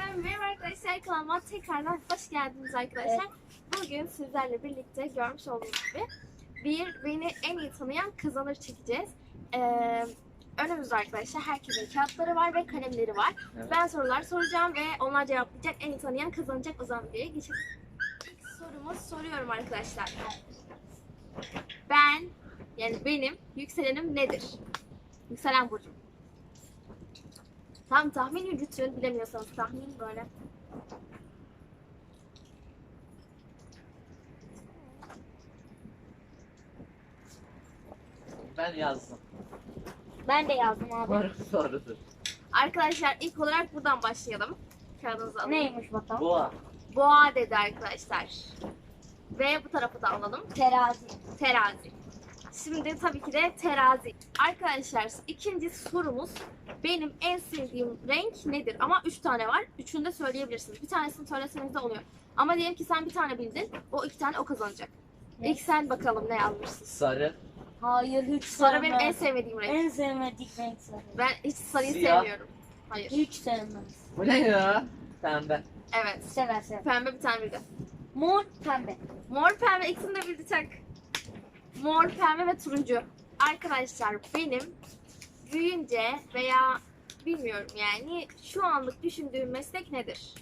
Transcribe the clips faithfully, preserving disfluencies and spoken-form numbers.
Merhaba arkadaşlar, kanalıma tekrardan hoş geldiniz arkadaşlar. Evet. Bugün sizlerle birlikte görmüş olduğunuz gibi bir beni en iyi tanıyan kazanır çekeceğiz. Ee, önümüzde arkadaşlar herkesin kağıtları var ve kalemleri var. Evet. Ben sorular soracağım ve onlar cevaplayacak, en iyi tanıyan kazanacak. O zaman bir geçelim. İlk sorumu soruyorum arkadaşlar. Ben, yani benim yükselenim nedir? Yükselen burcum. Tam tahmin yürütün, bilemiyorsanız tahmin böyle. Ben yazdım. Ben de yazdım abi. Doğru, doğrudur. Arkadaşlar ilk olarak buradan başlayalım. Kağıdınızı alın. Neymiş bakalım? Boğa. Boğa dedi arkadaşlar. Ve bu tarafı da alalım. Terazi. Terazi. Şimdi tabii ki de terazi. Arkadaşlar ikinci sorumuz, benim en sevdiğim renk nedir? Ama üç tane var. Üçünü de söyleyebilirsiniz. Bir tanesini söyleseniz de oluyor. Ama diyelim ki sen bir tane bildin. O iki tane o kazanacak. Ne? İlk sen bakalım ne yazmışsın. Sarı. Hayır hiç Sarı benim sevmem. en sevmediğim renk. En sevmediğim renk sarı. Ben hiç sarıyı Siyah. sevmiyorum. Hayır. Hiç sevmem. Bu ne ya? Pembe. Evet. Sever sever. Pembe bir tane bildi. Mor pembe. Mor pembe ikisini de bildi tak. Mor pembe ve turuncu. Arkadaşlar benim büyüyünce veya bilmiyorum yani şu anlık düşündüğüm meslek nedir?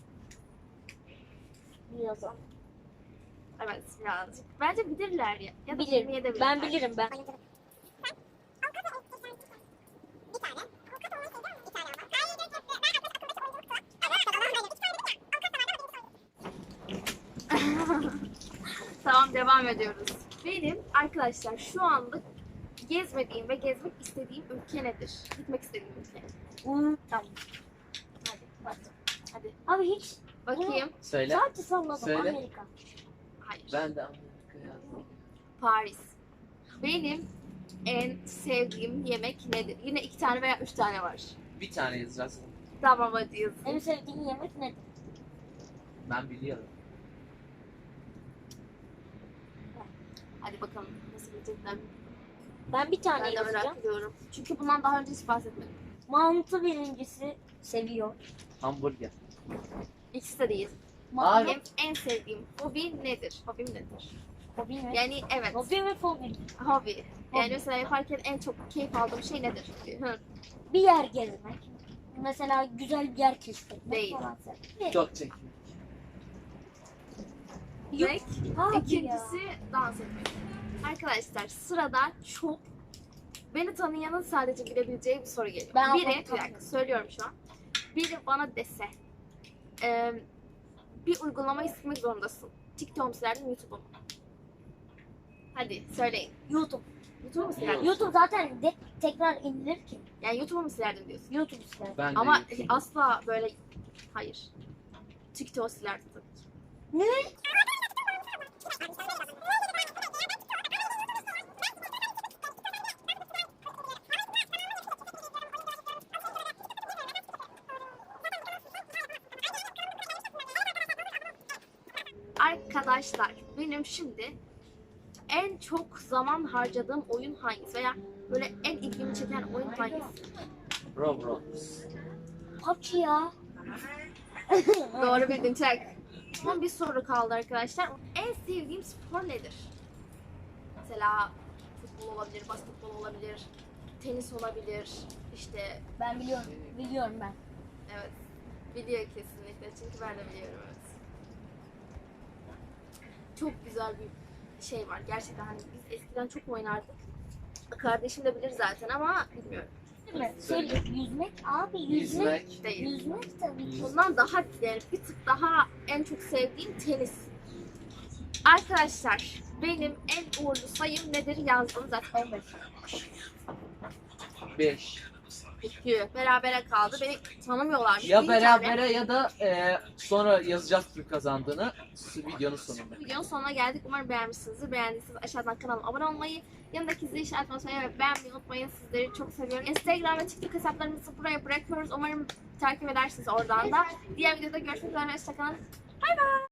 Yazan. Evet birazcık. Bence bilirler ya. Ya da Bilirim. bilmeyebilirler. Ben bilirim ben. Tamam devam ediyoruz. Benim arkadaşlar şu anlık gezmediğim ve gezmek istediğim ülke nedir? Gitmek istediğim ülke. Hmm, tamam. Hadi bak. Hadi Abi hiç bakayım. Söyle. sadece salladım. Söyle. Amerika. Hayır. Ben de Amerika yazdım. Paris. Benim en sevdiğim yemek nedir? Yine iki tane veya üç tane var. Bir tane yazacağız. Tamam hadi yazın. En sevdiğin yemek nedir? Ben biliyorum. Hadi bakalım nasıl bilecekler. Ben bir tane Ben de yazacağım. merak ediyorum. Çünkü bundan daha önce hiç bahsetmedim. Mantı birincisi seviyor. Hamburger. İkisi de değil. Abi. Benim en sevdiğim hobi nedir? Hobim nedir? Hobi mi? Yani evet. Hobi mi fobi? Hobi. Yani Hobi. mesela yaparken en çok keyif aldığım şey nedir? Hı. Bir yer gezmek. Mesela güzel bir yer keşfetmek Değil. falan. Ne? Çok çekmek. Yok. Ve Abi ya. ikincisi dans etmek. Arkadaşlar sırada çok beni tanıyanın sadece bilebileceği bir soru geliyor. Ben Biri, onu bir dakika tanıyorum. söylüyorum şu an. Biri bana dese, e, bir uygulama istemek zorundasın. TikTok mu silerdin, YouTube'u mu? Hadi söyleyin. YouTube. YouTube'u mu silerdin? YouTube zaten de tekrar indirilir ki. Yani YouTube'u mu silerdin diyorsun. YouTube ister. Ben de Ama YouTube. asla böyle, hayır. TikTok silerdin tabii ki. Ne? Arkadaşlar benim şimdi en çok zaman harcadığım oyun hangisi veya böyle en ilgimi çeken oyun hangisi? Roblox. Kaç ya? Doğru bildin çak. Son bir soru kaldı arkadaşlar. En sevdiğim spor nedir? Mesela futbol olabilir, basketbol olabilir, tenis olabilir. İşte Ben biliyorum. Biliyorum ben. evet biliyor kesinlikle çünkü ben de biliyorum evet. Çok güzel bir şey var gerçekten hani biz eskiden çok oynardık. Kardeşim de bilir zaten ama bilmiyorum. Değil mi? Söyle. Yüzmek abi yüzmek. Yüzmek. Değil. Yüzmek tabii ki. Bundan daha yani bir tık daha en çok sevdiğim tenis. Arkadaşlar benim en uğurlu sayım nedir yazdım zaten on beş. Beş. Peki berabere kaldı. Beni tanımıyorlarmış. Ya Bir tane- berabere ya da e, sonra yazacağız kim kazandığını videonun sonunda. Videonun sonuna geldik. Umarım beğenmişsinizdir. Beğendiyseniz aşağıdan kanalıma abone olmayı, yanındaki zil işaretini basmayı ve beğenmeyi unutmayın. Sizleri çok seviyorum. Instagram ve TikTok hesaplarımızı buraya bırakıyoruz. Umarım takip edersiniz oradan da. Diğer videoda görüşmek üzere. Hoşçakalın. Bay bay.